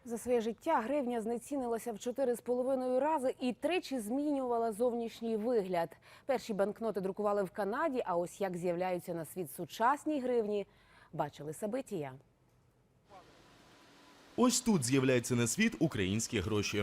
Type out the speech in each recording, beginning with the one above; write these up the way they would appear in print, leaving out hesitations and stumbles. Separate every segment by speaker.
Speaker 1: За своє життя гривня знецінилася в 4,5 рази і тричі змінювала зовнішній вигляд. Перші банкноти друкували в Канаді, а ось як з'являються на світ сучасні гривні, бачили Сабитія.
Speaker 2: Ось тут з'являються на світ українські гроші.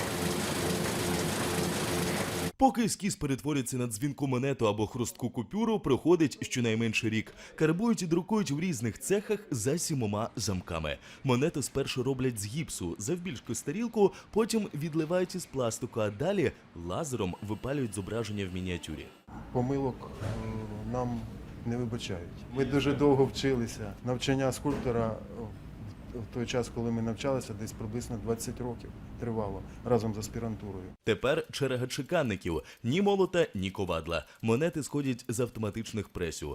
Speaker 2: Поки ескіз перетворюється на дзвінку монету або хрустку купюру, проходить щонайменше рік. Карбують і друкують в різних цехах за 7 замками. Монету спершу роблять з гіпсу, завбільшки тарілку, потім відливають із пластику, а далі лазером випалюють зображення в мініатюрі.
Speaker 3: Помилок нам не вибачають. Ми дуже довго вчилися. Навчання скульптора в той час, коли ми навчалися, десь приблизно 20 років тривало разом з аспірантурою.
Speaker 2: Тепер черга чеканників. Ні молота, ні ковадла. Монети сходять з автоматичних пресів.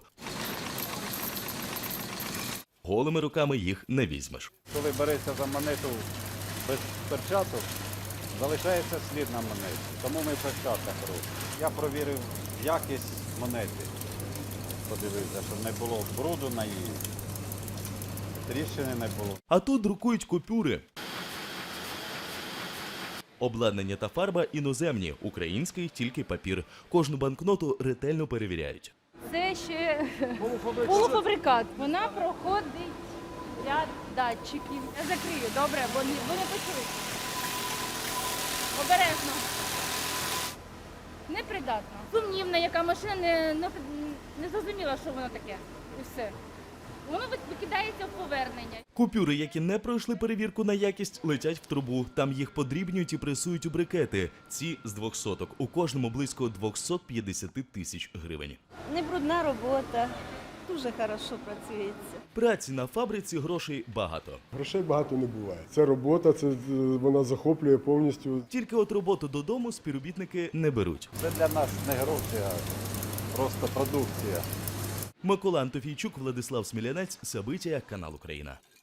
Speaker 2: Голими руками їх не візьмеш.
Speaker 4: Коли береться за монету без перчаток, залишається слід на монеті. Тому ми в перчатках робимо. Я провірив якість монети. Подивився, щоб не було бруду на її. Тріщини не було.
Speaker 2: А тут друкують купюри. Обладнання та фарба іноземні, український тільки папір. Кожну банкноту ретельно перевіряють.
Speaker 5: Це ще полуфабрикат. Вона проходить ряд датчиків. Я закрию, добре, бо не почують. Обережно. Непридатно. Сумнівна, яка машина не зрозуміла, що воно таке. І все. Воно викидається в повернення.
Speaker 2: Купюри, які не пройшли перевірку на якість, летять в трубу. Там їх подрібнюють і пресують у брикети. Ці з 200. У кожному близько 250 тисяч гривень.
Speaker 6: Не брудна робота, дуже хорошо працюється.
Speaker 2: Праці на фабриці грошей багато.
Speaker 7: Грошей багато не буває. Це робота, вона захоплює повністю.
Speaker 2: Тільки от роботу додому співробітники не беруть.
Speaker 4: Це для нас не гроші, а просто продукція.
Speaker 2: Микола Антофійчук, Владислав Смілянець, Сабитія, канал Україна.